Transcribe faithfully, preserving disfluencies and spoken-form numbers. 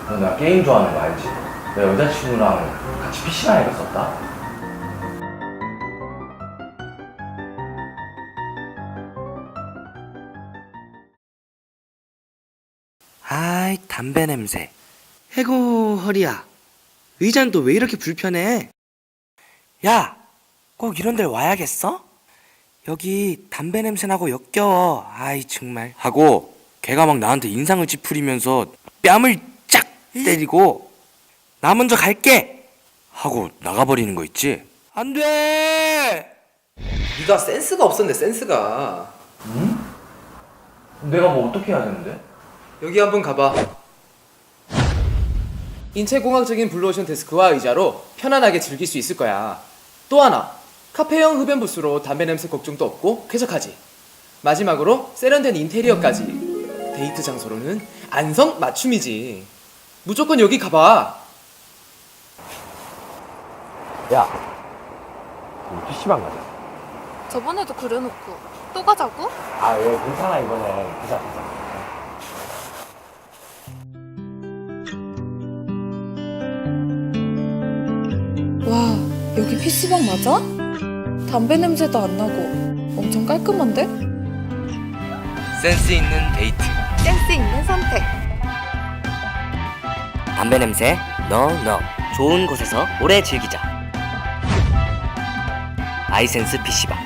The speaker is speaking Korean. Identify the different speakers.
Speaker 1: 너 나 게임 좋아하는 거 알지? 내 여자친구랑 같이 피시방 해봤었다.
Speaker 2: 아이, 담배 냄새. 해고, 허리야. 의자는 또 왜 이렇게 불편해? 야, 꼭 이런 데를 와야겠어? 여기 담배 냄새 나고 역겨워. 아이, 정말. 하고, 걔가 막 나한테 인상을 찌푸리면서 뺨을 쫙 때리고, 나 먼저 갈게! 하고 나가버리는 거 있지? 안 돼!
Speaker 3: 네가 센스가 없었네, 센스가.
Speaker 1: 응? 내가 뭐 어떻게 해야 되는데?
Speaker 3: 여기 한번 가봐. 인체공학적인 블루오션 데스크와 의자로 편안하게 즐길 수 있을 거야. 또 하나, 카페형 흡연 부스로 담배 냄새 걱정도 없고 쾌적하지. 마지막으로 세련된 인테리어까지. 데이트 장소로는 안성 맞춤이지. 무조건 여기 가봐.
Speaker 1: 야, 우리 피시방 가자.
Speaker 4: 저번에도 그래놓고 또 가자고?
Speaker 1: 아, 왜 괜찮아 이번에. 가자, 가자.
Speaker 4: 와, 여기 피시방 맞아? 담배 냄새도 안 나고 엄청 깔끔한데?
Speaker 2: 센스 있는 데이트.
Speaker 4: 센스 있는 선택.
Speaker 2: 담배 냄새, no, no. 좋은 곳에서 오래 즐기자. 아이센스 피시방.